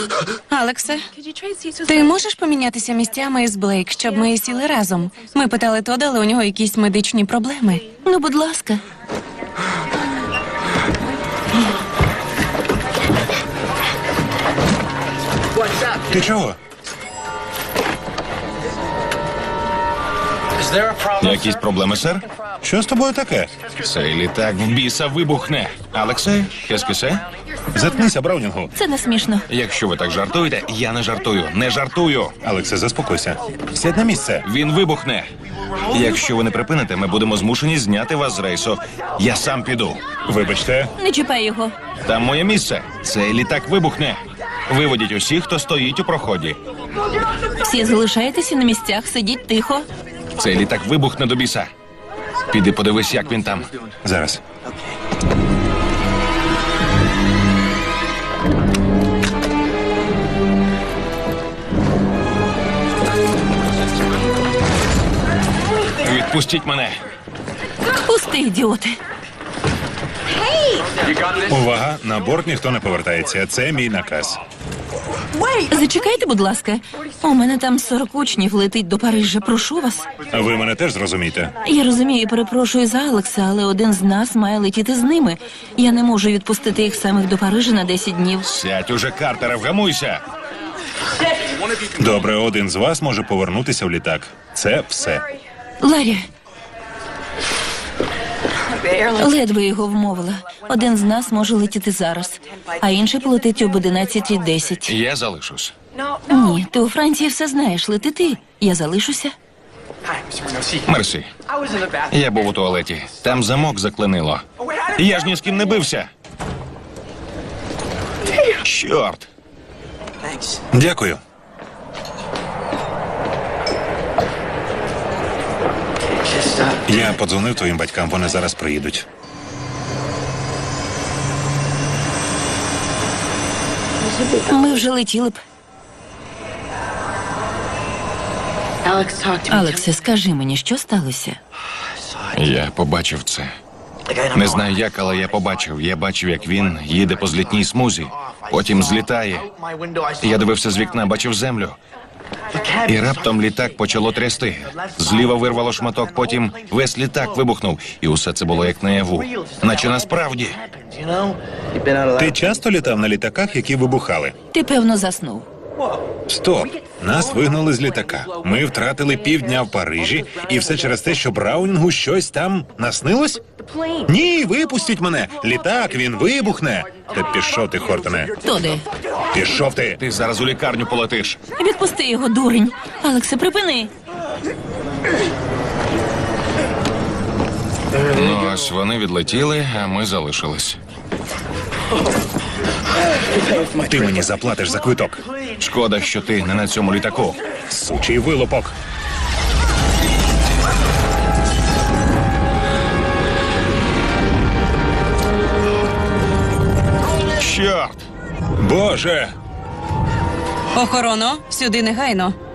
Алексе, ти можеш помінятися місцями із Блейк, щоб ми сіли разом? Ми питали Тода, але у нього якісь медичні проблеми. Ну, будь ласка. Ти чого? Якісь проблеми, сер? Що з тобою таке? Цей літак в біса вибухне. Алексе, кескесе? Заткнися, Браунінгу. Це не смішно. Якщо ви так жартуєте, я не жартую. Не жартую. Алексе, заспокойся. Сядь на місце. Він вибухне. Якщо ви не припините, ми будемо змушені зняти вас з рейсу. Я сам піду. Вибачте. Не чіпай його. Там моє місце. Цей літак вибухне. Виводіть усіх, хто стоїть у проході. Всі залишайтеся на місцях, сидіть тихо. Цей літак вибухне до біса. Піди подивись, як він там. Зараз. Відпустіть мене. Пусти, ідіоти. Увага, на борт ніхто не повертається. Це мій наказ. Зачекайте, будь ласка. У мене там 40 учнів летить до Парижа. Прошу вас. Ви мене теж зрозумієте. Я розумію і перепрошую за Алекса, але один з нас має летіти з ними. Я не можу відпустити їх самих до Парижа на 10 днів. Сядь уже, Картере, вгамуйся. Добре, один з вас може повернутися в літак. Це все. Ларі. Ледве його вмовила. Один з нас може летіти зараз, а інший полетить об 11:10. Я залишусь. Ні, ти у Франції все знаєш. Лети ти. Я залишуся. Мерсі. Я був у туалеті. Там замок заклинило. Я ж ні з ким не бився. Чорт. Дякую. Я подзвонив твоїм батькам, вони зараз приїдуть. Ми вже летіли б. Алексе, скажи мені, що сталося? Я побачив це. Не знаю як, але я побачив. Я бачив, як він їде по злітній смузі, потім злітає. Я дивився з вікна, бачив землю. І раптом літак почало трясти. Зліва вирвало шматок, потім весь літак вибухнув. І усе це було як наяву. Наче насправді. Ти часто літав на літаках, які вибухали? Ти, певно, заснув. Стоп! Нас вигнали з літака. Ми втратили півдня в Парижі, і все через те, що Браунінгу щось там наснилось? Ні, випустіть мене! Літак, він вибухне! Та пішов ти, Хортоне. Тоди, Пішов ти! Ти зараз у лікарню полетиш. відпусти його, дурень. Алексе, припини. Ну, ось вони відлетіли, а ми залишились. Ти мені заплатиш за квиток. Шкода, що ти не на цьому літаку. Сучий вилупок. Чорт! Боже! Охорона, сюди негайно.